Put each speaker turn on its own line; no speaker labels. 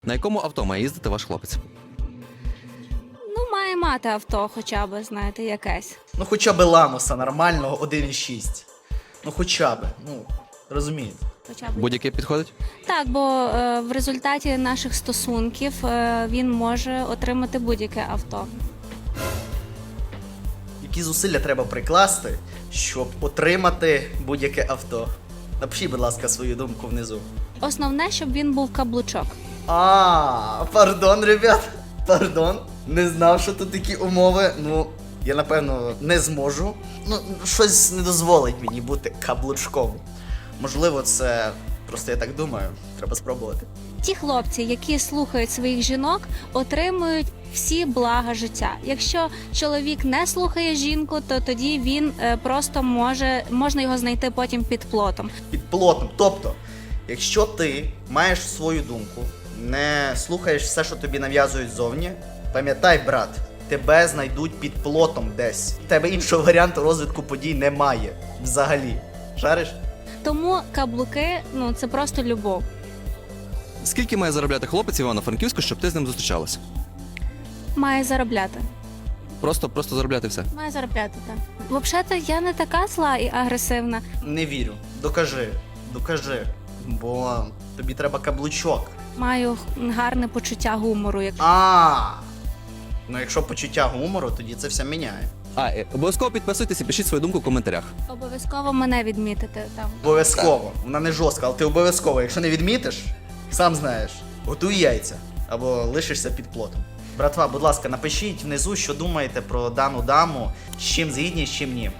На якому авто має їздити ваш хлопець?
Ну, має мати авто хоча б, знаєте, якесь.
Ну хоча б Ламоса нормального 1.6. Ну хоча б, ну, розумієте.
Хоча б.
Будь-яке підходить?
Так, бо в результаті наших стосунків він може отримати будь-яке авто.
Які зусилля треба прикласти, щоб отримати будь-яке авто? Напишіть, будь ласка, свою думку внизу.
Основне, щоб він був каблучок.
Пардон, ребят, пардон. Не знав, що тут такі умови. Ну, я напевно не зможу. Ну, щось не дозволить мені бути каблучком. Можливо, це просто я так думаю. Треба спробувати.
Ті хлопці, які слухають своїх жінок, отримують всі блага життя. Якщо чоловік не слухає жінку, то тоді він просто можна його знайти потім під плотом.
Під плотом. Тобто, якщо ти маєш свою думку, не слухаєш все, що тобі нав'язують ззовні, пам'ятай, брат, тебе знайдуть під плотом десь. В тебе іншого варіанту розвитку подій немає. Взагалі. Шариш?
Тому каблуки, ну це просто любов.
Скільки має заробляти хлопець в Івано-Франківську, щоб ти з ним зустрічалась?
Має заробляти.
Просто заробляти все.
Має заробляти, так. Взагалі-то я не така зла і агресивна.
Не вірю. Докажи. Бо тобі треба каблучок.
Маю гарне почуття гумору.
Ну якщо почуття гумору, тоді це все міняє.
Обов'язково підписуйтесь і пишіть свою думку в коментарях.
Обов'язково мене відмітити там.
Обов'язково. Вона не жорстка, але ти обов'язково. Якщо не відмітиш, сам знаєш, готуй яйця або лишишся під плотом. Братва, будь ласка, напишіть внизу, що думаєте про дану даму, з чим згідні, з чим ні.